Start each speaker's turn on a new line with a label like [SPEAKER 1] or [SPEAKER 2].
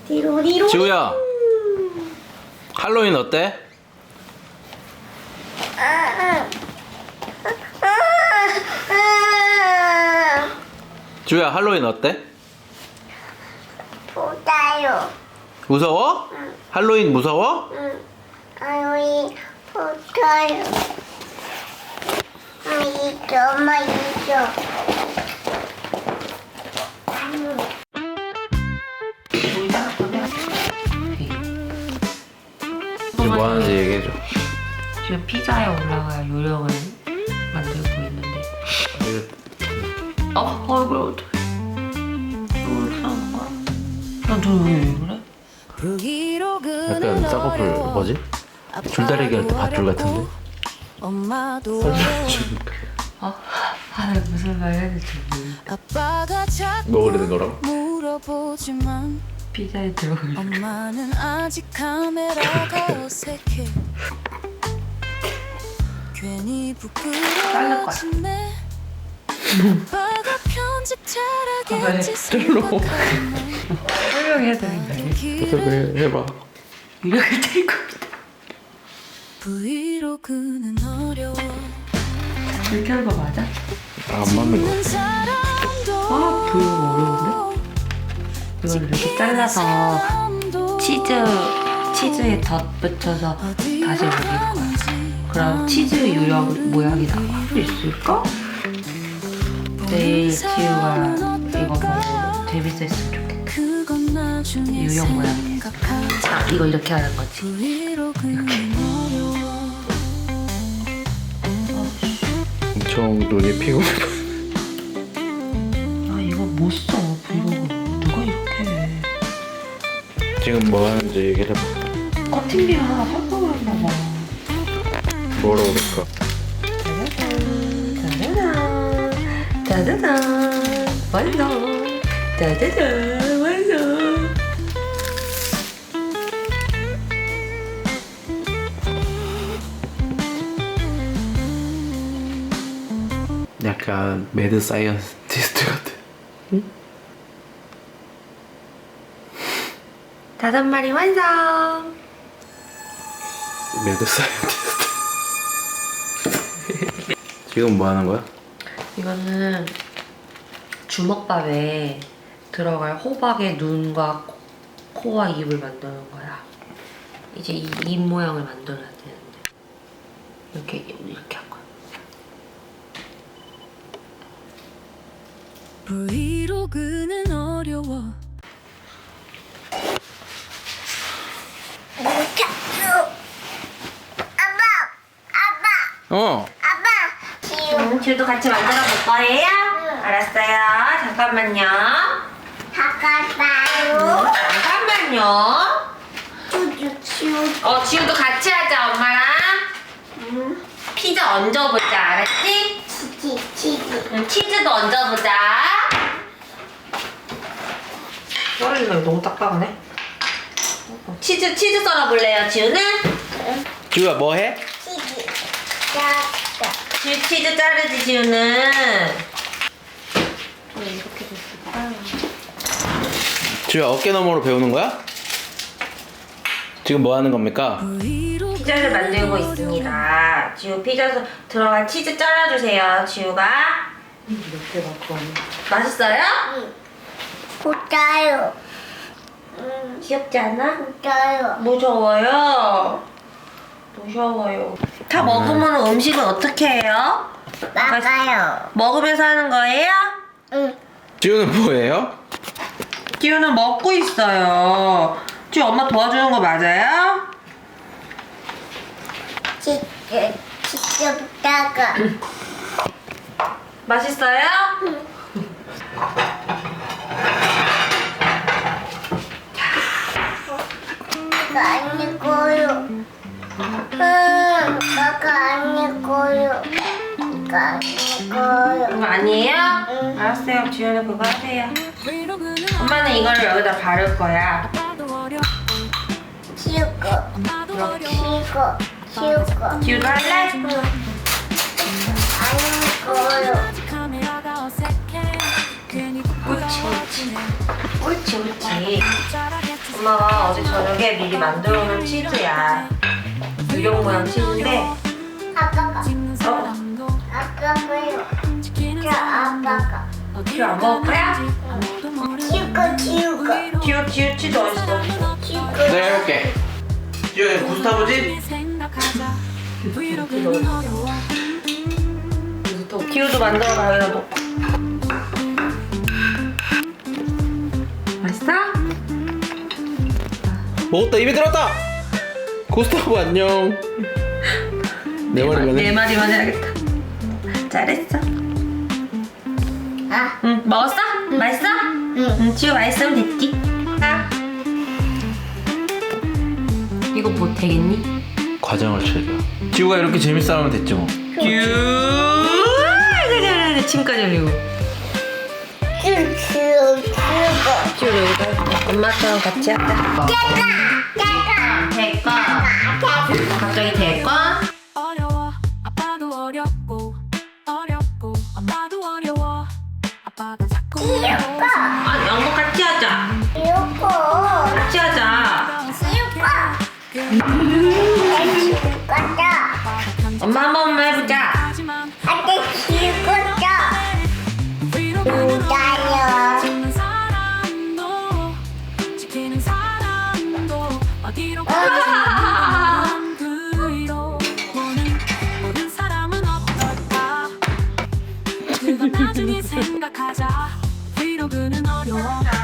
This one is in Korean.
[SPEAKER 1] 디로리로.
[SPEAKER 2] 지우야, 할로윈 어때? 지우야, 할로윈 어때?
[SPEAKER 1] 보다요.
[SPEAKER 2] 무서워? 할로윈 무서워?
[SPEAKER 1] 아이 보다요. 엄마 있어.
[SPEAKER 2] 지금 뭐 하는지 얘기해줘.
[SPEAKER 3] 지금 피자에 올라갈 요령을 만들고 있는데. 얼굴 어떡해. 얼굴 싸는 거야? 난너왜 그래?
[SPEAKER 2] 약간 쌍꺼풀 뭐지? 줄다리기 할 때 밧줄 같은데?
[SPEAKER 3] 나 무슨 말 해야 될지 모르겠어.
[SPEAKER 2] 뭐 그러는 거라고?
[SPEAKER 3] 피자에 들어갈
[SPEAKER 4] 엄마는 아직 카메라가 어색해. 괜히 부끄러워지네. 아빠가 편집 잘하겠지 생각하면
[SPEAKER 3] 설명해야 되는 거 아니야?
[SPEAKER 2] 그래, 해봐.
[SPEAKER 3] 이렇게 될 겁니다.
[SPEAKER 4] 브이로그는 어려워.
[SPEAKER 3] 이렇게 하는 거 맞아?
[SPEAKER 2] 안 맞는 거.
[SPEAKER 3] 브이로그 어려운데? 이걸 이렇게 잘라서 치즈에 덧붙여서 다시 올릴 거야. 그럼 치즈 유령 모양이 나올 수 있을까? 내일 지우가 이거 보고 재밌었으면 좋겠다. 유령 모양이 됐어. 이거 이렇게 하는 거지.
[SPEAKER 2] 엄청 눈이 피곤해.
[SPEAKER 3] 이거 못 써. 브이로그 누가 이렇게 해.
[SPEAKER 2] 지금 뭐 하는지 얘기를 해봐.
[SPEAKER 3] 커팅비가 하나 샀다고 했나 봐.
[SPEAKER 2] 뭐라고 그럴까?
[SPEAKER 3] 짜자잔 완성. 짜자잔 완성.
[SPEAKER 2] 약간 매드 사이언티스트 같아.
[SPEAKER 3] 다섯 마리 완성.
[SPEAKER 2] 매드 사이언티스트. 지금 뭐 하는 거야?
[SPEAKER 3] 이거는 주먹밥에 들어갈 호박의 눈과 코와 입을 만드는 거야. 이제 이 입 모양을 만들어야 되는데 이렇게 할 거야.
[SPEAKER 4] 브이로그는 어려워.
[SPEAKER 2] 어.
[SPEAKER 3] 지우도 같이 만들어 볼 거예요? 알았어요. 잠깐만요. 잠깐만요. 지우도 같이 하자, 엄마랑. 피자 얹어보자, 알았지?
[SPEAKER 1] 치즈.
[SPEAKER 3] 치즈도 얹어보자. 썰리는 거 너무 딱딱하네. 치즈 썰어볼래요, 지우는?
[SPEAKER 2] 지우야 뭐 해?
[SPEAKER 1] 치즈.
[SPEAKER 3] 지우 치즈 자르지, 지우는. 왜 이렇게 됐을까?
[SPEAKER 2] 지우야 어깨 너머로 배우는 거야? 지금 뭐 하는 겁니까?
[SPEAKER 3] 피자를 만들고 있습니다. 지우 피자 들어간 치즈 잘라주세요, 지우가. 이렇게 갖고 맛있어요?
[SPEAKER 1] 보다요.
[SPEAKER 3] 귀엽지 않아?
[SPEAKER 1] 보다요.
[SPEAKER 3] 무서워요. 무서워요. 다 먹으면 음식은 어떻게 해요?
[SPEAKER 1] 막아요.
[SPEAKER 3] 먹으면서 하는 거예요?
[SPEAKER 1] 응.
[SPEAKER 2] 지우는 뭐예요?
[SPEAKER 3] 지우는 먹고 있어요. 지우 엄마 도와주는 거 맞아요?
[SPEAKER 1] 치즈 보다가.
[SPEAKER 3] 맛있어요?
[SPEAKER 1] 나가 아니고요. 나가 아니고요. 나가 아니고요.
[SPEAKER 3] 그거 아니에요?
[SPEAKER 1] 응.
[SPEAKER 3] 알았어요. 지우는 그거 하세요. 엄마는 이거를 여기다 바를 거야.
[SPEAKER 1] 치우고. 치우고.
[SPEAKER 3] 지우도 할래?
[SPEAKER 1] 아니고요.
[SPEAKER 3] 옳지. 옳지, 옳지. 엄마가 어제 저녁에 미리 만들어 놓은 치즈야. 유령 모양 치즈인데
[SPEAKER 1] 아빠가
[SPEAKER 3] 어?
[SPEAKER 1] 아빠가요. 저 아빠가
[SPEAKER 3] 큐 안 먹을 거야?
[SPEAKER 1] 치우고
[SPEAKER 3] 큐 치즈 어딨어?
[SPEAKER 2] 내가 해볼게. 지효 구스타브지?
[SPEAKER 3] 큐도 만들어 여기다 놓고. 맛있어?
[SPEAKER 2] 먹었다. 입에 들었다. 구스타브 안녕. 내 말이면
[SPEAKER 3] 내
[SPEAKER 2] 해.
[SPEAKER 3] 말이만 해야겠다. 잘했어.
[SPEAKER 1] 아,
[SPEAKER 3] 응 먹었어? 맛있어? 응 지우 맛있으면 됐지. 아. 이거 뭐 되겠니?
[SPEAKER 2] 과정을 즐겨. 지우가 이렇게 재밌어 하면 됐지 뭐.
[SPEAKER 3] 그래 침까지 흘리고.
[SPEAKER 1] 치우고
[SPEAKER 3] 지우 여기다 엄마처럼 같이 할까? 대꺼. 갑자기 대꺼?
[SPEAKER 4] 어려워 아빠도 어렵고 어렵고 엄마도 어려워 아빠가 자꾸
[SPEAKER 3] 아니 엄마 같이 하자.
[SPEAKER 1] 치우고
[SPEAKER 3] 같이 하자.
[SPEAKER 1] 치우고다.
[SPEAKER 3] 엄마 한 번만 해보자.
[SPEAKER 4] 하지만
[SPEAKER 1] 안돼 치우고다. 기다려.
[SPEAKER 4] 지키는 사람도 지키는 사람도 어디로 가는 그 위로 모든 사람은 어떨까 그건 나중에 생각하자 위로 그는 어려워